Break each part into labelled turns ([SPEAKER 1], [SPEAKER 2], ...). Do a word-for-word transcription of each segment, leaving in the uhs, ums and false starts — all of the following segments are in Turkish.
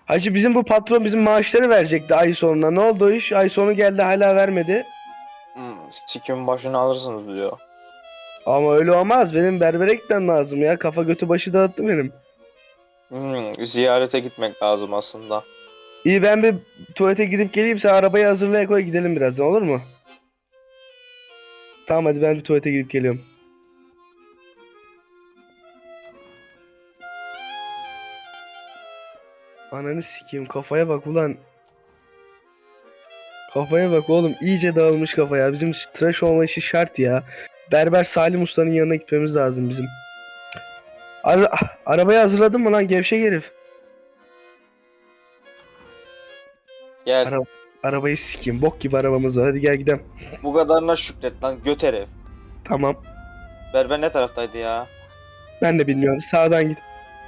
[SPEAKER 1] Hacı bizim bu patron bizim maaşları verecekti ay sonuna. Ne oldu o iş? Ay sonu geldi hala vermedi.
[SPEAKER 2] Hmm, sikimin başını alırsınız diyor.
[SPEAKER 1] Ama öyle olmaz. Benim berbere gitmem lazım ya. Kafa götü başı dağıttı benim.
[SPEAKER 2] Hmm, ziyarete gitmek lazım aslında.
[SPEAKER 1] İyi ben bir tuvalete gidip geleyim. Sen arabayı hazırlaya koy gidelim birazdan olur mu? Tamam hadi ben bir tuvalete gidip geliyorum. Ananı sikeyim kafaya bak ulan. Kafaya bak oğlum iyice dağılmış kafa ya. Bizim tıraş olma işi şart ya. Berber Salim Usta'nın yanına gitmemiz lazım bizim. Ara arabayı hazırladın mı lan gevşek herif?
[SPEAKER 2] Gel.
[SPEAKER 1] Ara arabayı sikeyim. Bok gibi arabamız var. Hadi gel gidelim.
[SPEAKER 2] Bu kadarına şükret lan göt herif.
[SPEAKER 1] Tamam.
[SPEAKER 2] Berber ne taraftaydı ya?
[SPEAKER 1] Ben de bilmiyorum. Sağdan git.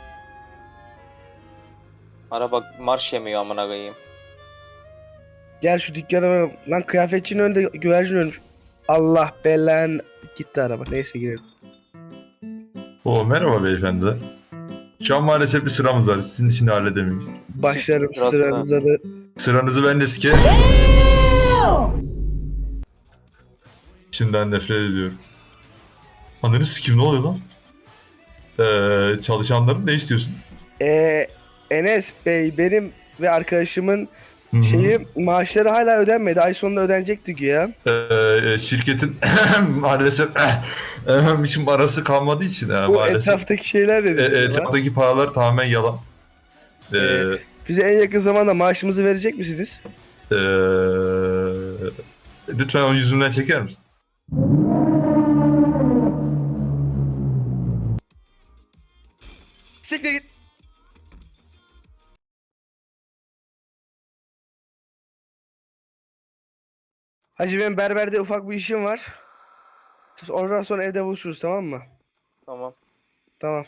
[SPEAKER 2] Araba marş yemiyor amına koyayım.
[SPEAKER 1] Gel şu dükkana. Lan kıyafetçinin önünde güvercin ölmüş. Allah belan. Gitti araba. Neyse girelim.
[SPEAKER 3] Oo, merhaba beyefendi. Şu an maalesef bir sıramız var. Sizin için de halledemeyiz.
[SPEAKER 1] Başlarım
[SPEAKER 2] Biraz
[SPEAKER 1] sıranıza da.
[SPEAKER 3] Sıranızı ben de sike... İçinden nefret ediyorum. Ananı sikim ne oluyor lan? Ee, çalışanlarım ne istiyorsunuz?
[SPEAKER 1] Ee, Enes Bey benim ve arkadaşımın
[SPEAKER 3] Hı hı.
[SPEAKER 1] şeyi maaşları hala ödenmedi. Ay sonunda ödenecekti güya.
[SPEAKER 3] Ee, şirketin maalesef için parası kalmadığı için e,
[SPEAKER 1] Bu
[SPEAKER 3] maalesef.
[SPEAKER 1] etraftaki şeyler
[SPEAKER 3] E,
[SPEAKER 1] dedi.
[SPEAKER 3] etraftaki paralar tamamen yalan. Ee,
[SPEAKER 1] Ee, Bize en yakın zamanda maaşımızı verecek misiniz?
[SPEAKER 3] ee, lütfen onu yüzümden çeker misin?
[SPEAKER 1] Siktir git. Hacı benim berberde ufak bir işim var. Ondan sonra evde buluşuruz tamam mı?
[SPEAKER 2] Tamam.
[SPEAKER 1] Tamam.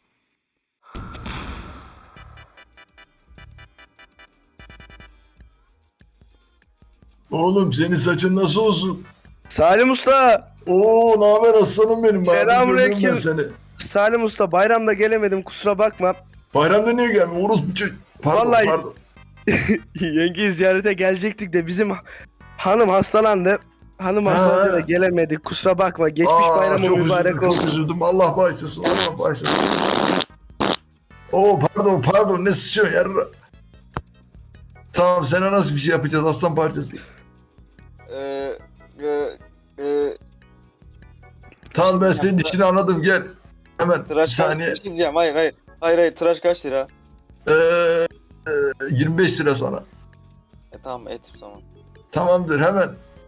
[SPEAKER 3] Oğlum senin saçın nasıl olsun?
[SPEAKER 1] Salim Usta!
[SPEAKER 3] Oo, ne haber aslanım benim?
[SPEAKER 1] Selamünaleyküm.
[SPEAKER 3] Bayramda görüyorum ben seni.
[SPEAKER 1] Salim Usta bayramda gelemedim kusura bakma.
[SPEAKER 3] Bayramda niye gelmiyor? Orospu çocuk. Pardon,
[SPEAKER 1] Vallahi-
[SPEAKER 3] pardon.
[SPEAKER 1] Yengeyi ziyarete gelecektik de bizim hanım hastalandı. Hanım
[SPEAKER 3] Ha.
[SPEAKER 1] hastalandı da gelemedik kusura bakma. Geçmiş
[SPEAKER 3] Aa,
[SPEAKER 1] bayramı
[SPEAKER 3] çok
[SPEAKER 1] mübarek
[SPEAKER 3] üzüldüm,
[SPEAKER 1] olsun.
[SPEAKER 3] çok üzüldüm. Allah bağışlasın, Allah bağışlasın. Oo, pardon, pardon. Ne sıçıyorsun yarra? Tamam, sana nasıl bir şey yapacağız aslan parçası?
[SPEAKER 2] Ee, e, e,
[SPEAKER 3] Tamam, ben senin işini anladım, gel. Hemen bir
[SPEAKER 2] tıraş
[SPEAKER 3] saniye.
[SPEAKER 2] kaç diyeceğim. Hayır hayır. Hayır hayır tıraş kaç lira?
[SPEAKER 3] Ee, e, yirmi beş lira sana.
[SPEAKER 2] E tamam et o zaman.
[SPEAKER 3] Tamamdır, hemen.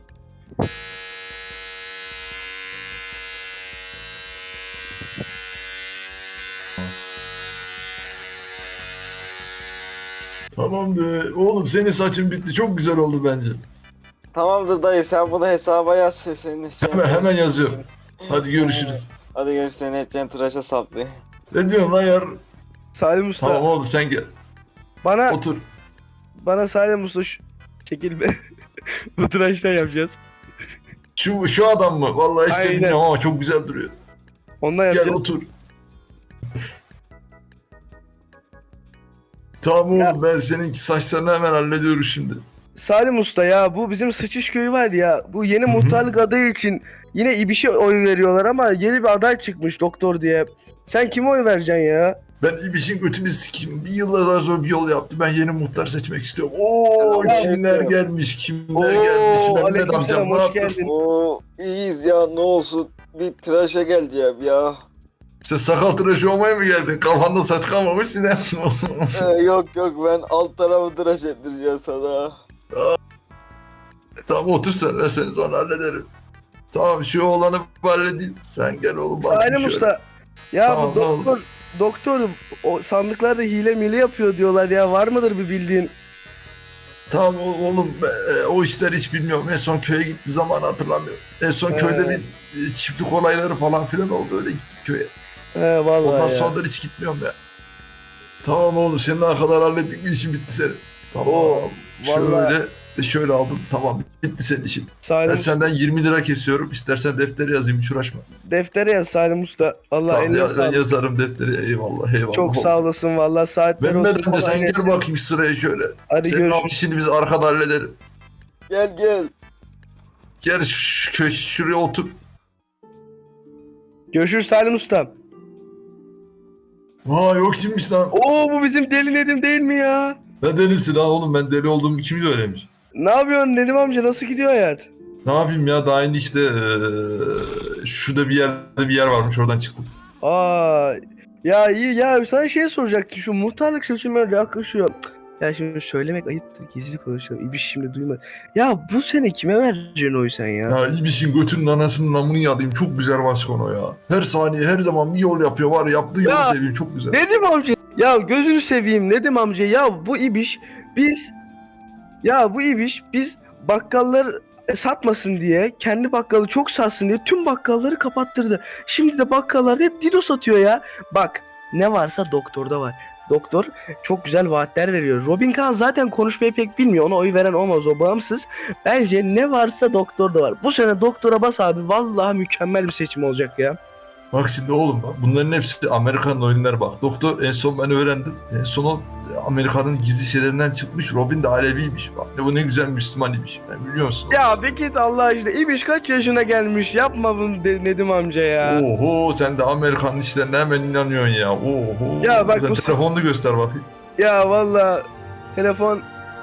[SPEAKER 3] Tamamdır. Oğlum senin saçın bitti. Çok güzel oldu bence.
[SPEAKER 2] Tamamdır dayı sen bunu hesaba yaz. Senin
[SPEAKER 3] Hemen hemen yazıyorum. Hadi görüşürüz.
[SPEAKER 2] Hadi görüşürüz seni edeceğin tıraşa saplı.
[SPEAKER 3] Ne diyorsun lan yar?
[SPEAKER 1] Salim Usta
[SPEAKER 3] Tamam oğlum sen gel.
[SPEAKER 1] bana
[SPEAKER 3] Otur.
[SPEAKER 1] bana Salim Usta şu... Çekil be. Bu tıraştan yapacağız.
[SPEAKER 3] Şu şu adam mı? Vallahi işte
[SPEAKER 1] Aynen.
[SPEAKER 3] bilmiyorum ama çok güzel duruyor.
[SPEAKER 1] Ondan
[SPEAKER 3] Gel
[SPEAKER 1] yapacağız.
[SPEAKER 3] otur. Tamam
[SPEAKER 1] Ya.
[SPEAKER 3] oğlum ben seninki saçlarını hemen hallediyorum şimdi.
[SPEAKER 1] Salim Usta ya bu bizim Sıçış köyü var ya bu yeni
[SPEAKER 3] Hı hı.
[SPEAKER 1] muhtarlık adayı için yine İbiş'e oy veriyorlar ama yeni bir aday çıkmış doktor diye. Sen kime oy vereceksin ya?
[SPEAKER 3] Ben İbiş'in götünü sikeyim. Bir yıllar sonra bir yol yaptı. Ben yeni muhtar seçmek istiyorum. Oo,
[SPEAKER 2] Selam
[SPEAKER 3] kimler
[SPEAKER 2] aleyküm.
[SPEAKER 3] gelmiş, kimler
[SPEAKER 1] Oo,
[SPEAKER 3] gelmiş. Mehmet
[SPEAKER 1] aleykümselam,
[SPEAKER 3] amcam ne
[SPEAKER 1] hoş
[SPEAKER 3] yaptın?
[SPEAKER 1] geldin.
[SPEAKER 2] Oo iyiyiz ya ne olsun. Bir tıraşa geleceğim ya.
[SPEAKER 3] Sen sakal tıraşı olmaya mı geldin? Kafanda saç kalmamış yine.
[SPEAKER 2] Ee, yok yok ben alt tarafı tıraş ettireceğim sana.
[SPEAKER 3] Tamam otur sen. Ben seni sonra hallederim. Tamam şu oğlanı bir halledeyim. Sen gel oğlum bakayım
[SPEAKER 1] Salim
[SPEAKER 3] şöyle.
[SPEAKER 1] Usta ya
[SPEAKER 3] Tamam,
[SPEAKER 1] bu
[SPEAKER 3] ne oldu?
[SPEAKER 1] doktor doktor o sandıklarda hile mile yapıyor diyorlar ya var mıdır bir bildiğin?
[SPEAKER 3] Tamam o- oğlum e, o işleri hiç bilmiyorum. En son köye gittiğim zaman hatırlamıyorum. En son
[SPEAKER 1] He.
[SPEAKER 3] köyde bir e, çiftlik olayları falan filan oldu. Öyle gittik köye.
[SPEAKER 1] He vallahi
[SPEAKER 3] Ondan
[SPEAKER 1] ya.
[SPEAKER 3] sonra da hiç gitmiyorum ya. Tamam oğlum senin kadar hallettik mi işin bitti senin. Tamam.
[SPEAKER 1] Oo, vallahi.
[SPEAKER 3] Şöyle E şöyle aldım. Tamam bitti senin işin. Ben
[SPEAKER 1] Salim
[SPEAKER 3] senden yirmi lira kesiyorum. İstersen deftere yazayım hiç uğraşma.
[SPEAKER 1] deftere yaz Salim Usta. Allah
[SPEAKER 3] Tamam
[SPEAKER 1] eline
[SPEAKER 3] ya, ben
[SPEAKER 1] sağlık.
[SPEAKER 3] yazarım deftere. Eyvallah eyvallah.
[SPEAKER 1] Çok sağ olasın vallahi, saatler olsun.
[SPEAKER 3] Mehmet amca sen
[SPEAKER 1] falan.
[SPEAKER 3] gel bakayım sıraya şöyle.
[SPEAKER 1] Hadi
[SPEAKER 3] Senin alt
[SPEAKER 1] görüşürüz.
[SPEAKER 3] işini biz arkada halledelim.
[SPEAKER 2] Gel gel.
[SPEAKER 3] Gel şu, şu, köş- şuraya otur.
[SPEAKER 1] Görüşürüz Salim Usta.
[SPEAKER 3] Vay yok kimmiş lan?
[SPEAKER 1] Oo, bu bizim Deli Nedim değil mi ya?
[SPEAKER 3] Ne delisi lan oğlum, ben deli olduğumu kim öğrenmiş?
[SPEAKER 1] Ne yapıyorsun Nedim amca, nasıl gidiyor hayat?
[SPEAKER 3] Ne yapayım ya, daha yeni işte eee, şurada bir yerde bir yer varmış, oradan çıktım.
[SPEAKER 1] Aa, ya iyi ya, sana şey soracaktım, şu muhtarlık seçimleri yaklaşıyor. Cık, ya şimdi söylemek ayıptır, gizli konuşalım. İbiş şimdi duyma. Ya bu sene kime vereceksin oyu sen ya?
[SPEAKER 3] Ya İbiş'in götünün anasının namını yalayım, çok güzel başkan o ya. Her saniye her zaman bir yol yapıyor var ya, yaptığı yolu
[SPEAKER 1] Ya,
[SPEAKER 3] seveyim, çok güzel.
[SPEAKER 1] Nedim amca, ya gözünü seveyim Nedim amca, ya bu ibiş biz ya bu ibiş biz bakkallar satmasın diye, kendi bakkalı çok satsın diye tüm bakkalları kapattırdı. Şimdi de bakkallarda hep Dido satıyor ya. Bak, ne varsa doktorda var. Doktor çok güzel vaatler veriyor. Robin Khan zaten konuşmayı pek bilmiyor. Ona oy veren olmaz, o bağımsız. Bence ne varsa doktorda var. Bu sene doktora bas abi. Vallahi mükemmel bir seçim olacak ya.
[SPEAKER 3] Bak şimdi oğlum, bak bunların hepsi Amerikan oyunları bak. Doktor en son ben öğrendim. En son o Amerika'nın gizli şeylerinden çıkmış. Robin de Aleviymiş. Bak ne bu, ne güzel Müslüman imiş. Ben biliyor musun?
[SPEAKER 1] Ya bir git Allah aşkına. İbiş kaç yaşına gelmiş? Yapma bunu de- Nedim amca ya.
[SPEAKER 3] Oho, sen de Amerikan işlerine hemen inanıyorsun ya. Oho.
[SPEAKER 1] Ya bak
[SPEAKER 3] sen
[SPEAKER 1] bu-
[SPEAKER 3] telefonunu göster bakayım.
[SPEAKER 1] Ya valla telefon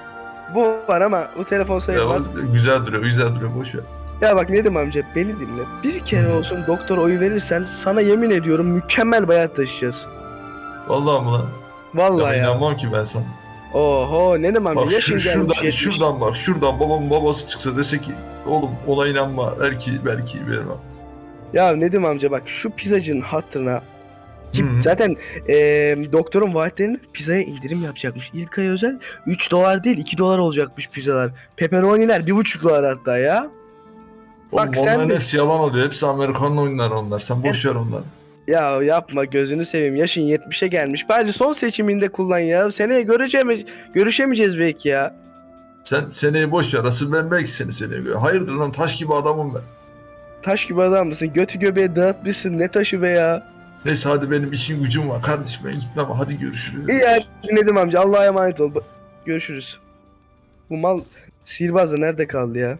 [SPEAKER 1] bu var ama bu telefon
[SPEAKER 3] Ya,
[SPEAKER 1] sayılmaz.
[SPEAKER 3] o güzel duruyor, güzel duruyor. Boş ver.
[SPEAKER 1] Ya bak Nedim amca, beni dinle. Bir kere olsun doktor oyu verirsen sana yemin ediyorum mükemmel bayat taşıyacağız.
[SPEAKER 3] Vallahi mı lan?
[SPEAKER 1] Vallahi
[SPEAKER 3] Ya,
[SPEAKER 1] ya.
[SPEAKER 3] inanmam ki ben sana.
[SPEAKER 1] Oho Nedim amca,
[SPEAKER 3] Bak
[SPEAKER 1] yaşın
[SPEAKER 3] şu,
[SPEAKER 1] gelmiş
[SPEAKER 3] şuradan,
[SPEAKER 1] yetmiş.
[SPEAKER 3] şuradan bak, şuradan babamın babası çıksa dese ki oğlum ona inanma, belki belki vermem.
[SPEAKER 1] Ya Nedim amca bak, şu pizzacının hatırına ki
[SPEAKER 3] Hı hı.
[SPEAKER 1] zaten eee, doktorun vaatlerini pizzaya indirim yapacakmış. İlk ay özel üç dolar değil iki dolar olacakmış pizzalar. Pepperoniler bir buçuk dolar hatta ya.
[SPEAKER 3] Oğlum
[SPEAKER 1] Bak sen
[SPEAKER 3] onların
[SPEAKER 1] de-
[SPEAKER 3] hepsi yalan oluyor. Hepsi Amerikan oyunları onlar. Sen boş ver onları.
[SPEAKER 1] Ya yapma gözünü seveyim, yaşın yetmişe gelmiş. Bence son seçiminde kullan ya. Seneye göreceğimiz, görüşemeyeceğiz belki ya.
[SPEAKER 3] Sen seneyi boş ver. Asıl ben belki seni seneye göre. Hayırdır lan, taş gibi adamım ben.
[SPEAKER 1] Taş gibi adam mısın? Götü göbeği dağıtmışsın, ne taşı be ya.
[SPEAKER 3] Neyse hadi, benim işim gücüm var. Kardeşim ben gitmem. Hadi görüşürüz.
[SPEAKER 1] İyi ya Nedim amca, Allah'a emanet ol. Görüşürüz. Bu mal sihirbaz da nerede kaldı ya?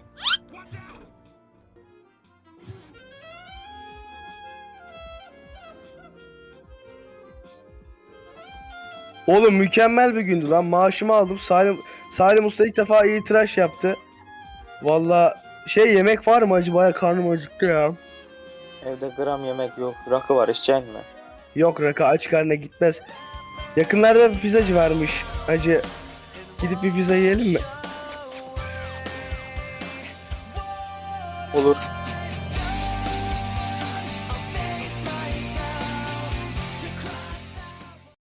[SPEAKER 1] Oğlum mükemmel bir gündü lan. Maaşımı aldım. Salim Salim Usta ilk defa iyi tıraş yaptı. Vallahi şey, yemek var mı acaba? Ya karnım acıktı ya.
[SPEAKER 2] Evde gram yemek yok. Rakı var, içeceksin mi?
[SPEAKER 1] Yok, rakı aç karnına gitmez. Yakınlarda bir pizzacı varmış. Hacı, gidip bir pizza yiyelim mi?
[SPEAKER 2] Olur.